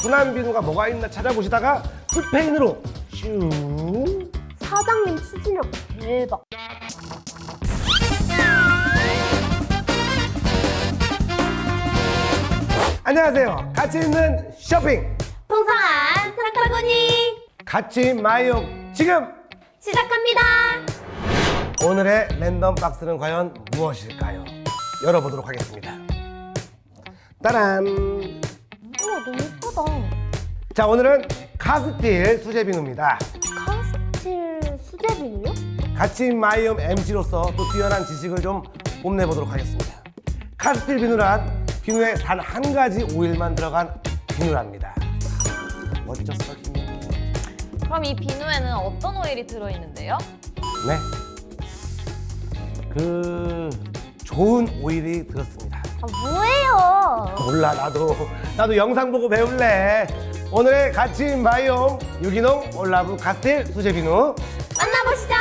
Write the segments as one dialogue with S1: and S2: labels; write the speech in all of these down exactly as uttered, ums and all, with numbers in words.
S1: 순한 비누가 뭐가 있나 찾아보시다가 스페인으로 슝.
S2: 사장님 추진력 대박.
S1: 안녕하세요. 가치 있는 쇼핑
S2: 풍성한 상바구니
S1: 가치 마이용 지금
S2: 시작합니다.
S1: 오늘의 랜덤 박스는 과연 무엇일까요? 열어보도록 하겠습니다. 따란.
S2: 우와, 너무 예쁘다.
S1: 자, 오늘은 카스틸 수제 비누입니다.
S2: 카스틸 수제 비누요?
S1: 가치 마이움 엠씨로서 또 뛰어난 지식을 좀 뽐내보도록 하겠습니다. 카스틸 비누란 비누에 단 한 가지 오일만 들어간 비누랍니다. 멋졌어, 김.
S3: 그럼 이 비누에는 어떤 오일이 들어있는데요?
S1: 네. 그 좋은 오일이 들었습니다.
S2: 아, 뭐예요?
S1: 몰라, 나도 나도 영상 보고 배울래. 오늘의 가치 마이움 유기농 올라브 카스틸 수제 비누
S2: 만나보시죠.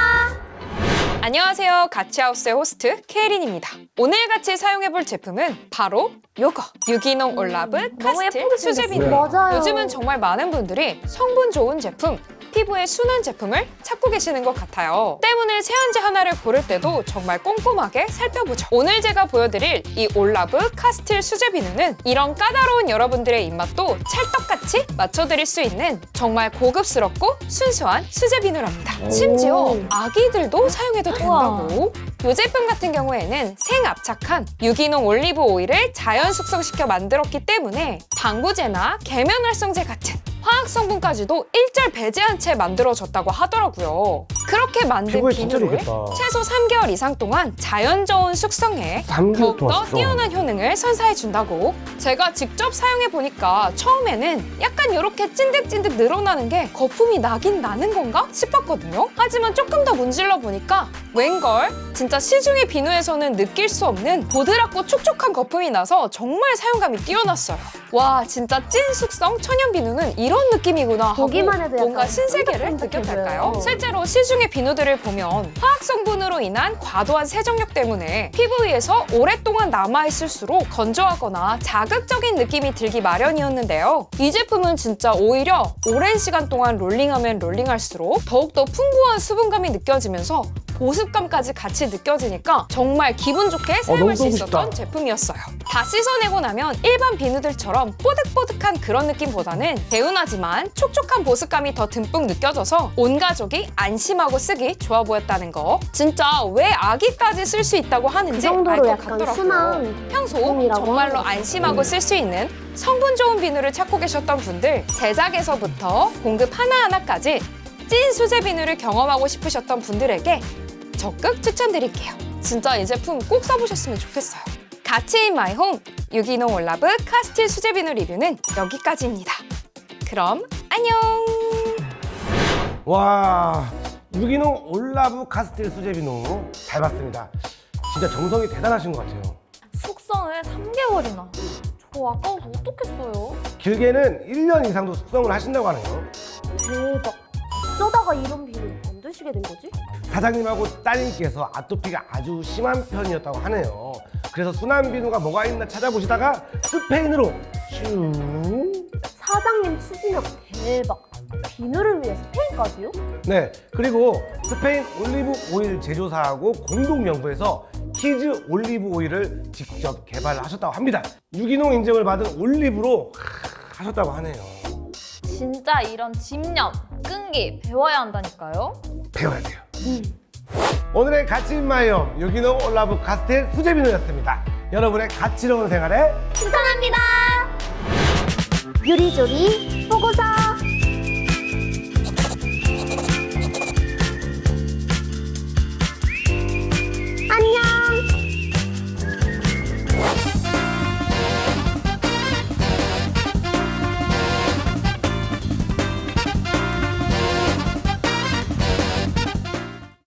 S4: 안녕하세요. 가치하우스의 호스트 케이린입니다. 오늘 같이 사용해볼 제품은 바로 요거 유기농 올라브
S2: 너무
S4: 카스틸
S2: 예쁘게
S4: 수제
S2: 생겼어요.
S4: 비누예요.
S2: 맞아요.
S4: 요즘은 정말 많은 분들이 성분 좋은 제품, 피부에 순한 제품을 찾고 계시는 것 같아요. 때문에 세안제 하나를 고를 때도 정말 꼼꼼하게 살펴보죠. 오늘 제가 보여드릴 이 올라브 카스틸 수제 비누는 이런 까다로운 여러분들의 입맛도 찰떡같이 맞춰드릴 수 있는 정말 고급스럽고 순수한 수제 비누랍니다. 심지어 아기들도 사용해도 된다고. 이 제품 같은 경우에는 생압착한 유기농 올리브 오일을 자연 숙성시켜 만들었기 때문에 방부제나 계면활성제 같은 화학 성분까지도 일절 배제한 채 만들어졌다고 하더라고요. 그렇게 만든
S1: 피부에 진짜
S4: 비누를
S1: 좋겠다.
S4: 최소 삼 개월 이상 동안 자연 저온 숙성해
S1: 삼 개월 동안
S4: 더욱더
S1: 숙성.
S4: 뛰어난 효능을 선사해 준다고. 제가 직접 사용해 보니까 처음에는 약간 이렇게 찐득찐득 늘어나는 게 거품이 나긴 나는 건가 싶었거든요. 하지만 조금 더 문질러 보니까 웬걸 진짜 시중의 비누에서는 느낄 수 없는 보드랍고 촉촉한 거품이 나서 정말 사용감이 뛰어났어요. 와, 진짜 찐 숙성 천연 비누는 이런 느낌이구나 하고
S2: 보기만 해도 약간
S4: 뭔가 신세계를
S2: 쫀득쫀득해져요.
S4: 느꼈달까요? 실제로 시중의 비누들을 보면 화학 성분으로 인한 과도한 세정력 때문에 피부 위에서 오랫동안 남아있을수록 건조하거나 자극적인 느낌이 들기 마련이었는데요. 이 제품은 진짜 오히려 오랜 시간 동안 롤링하면 롤링할수록 더욱더 풍부한 수분감이 느껴지면서 보습감까지 같이 느껴지니까 정말 기분 좋게 사용할 수
S1: 너무
S4: 있었던
S1: 싶다.
S4: 제품이었어요. 다 씻어내고 나면 일반 비누들처럼 뽀득뽀득한 그런 느낌보다는 개운하지만 촉촉한 보습감이 더 듬뿍 느껴져서 온 가족이 안심하고 쓰기 좋아 보였다는 거. 진짜 왜 아기까지 쓸 수 있다고
S2: 그
S4: 하는지 알
S2: 정도로
S4: 것
S2: 약간
S4: 같더라고요.
S2: 순한
S4: 평소
S2: 제품이라고
S4: 정말로
S2: 하더라고요.
S4: 안심하고 쓸 수 있는 성분 좋은 비누를 찾고 계셨던 분들, 제작에서부터 공급 하나하나까지 찐 수제 비누를 경험하고 싶으셨던 분들에게 적극 추천드릴게요. 진짜 이 제품 꼭 써보셨으면 좋겠어요. 가치 인 마이 홈 유기농 올라브 카스틸 수제 비누 리뷰는 여기까지입니다. 그럼 안녕!
S1: 와, 유기농 올라브 카스틸 수제 비누 잘 봤습니다. 진짜 정성이 대단하신 것 같아요.
S3: 숙성을 삼 개월이나. 저 아까워서 어떻겠어요?
S1: 길게는 일 년 이상도 숙성을 하신다고 하네요.
S2: 대박. 어쩌다가 이런 비누 만드시게 된 거지?
S1: 사장님하고 따님께서 아토피가 아주 심한 편이었다고 하네요. 그래서 순한 비누가 뭐가 있나 찾아보시다가 스페인으로 슝.
S2: 사장님 추진력 대박. 비누를 위해 스페인까지요?
S1: 네, 그리고 스페인 올리브 오일 제조사하고 공동 연구해서 키즈 올리브 오일을 직접 개발하셨다고 합니다. 유기농 인증을 받은 올리브로 하셨다고 하네요.
S3: 진짜 이런 집념, 끈기 배워야 한다니까요?
S1: 배워야 돼요. 오늘의 가치 인마이엄 유기농 올라브 카스틸 수제 비누였습니다. 여러분의 가치로운 생활에
S2: 추천합니다. 요리조리 보고서.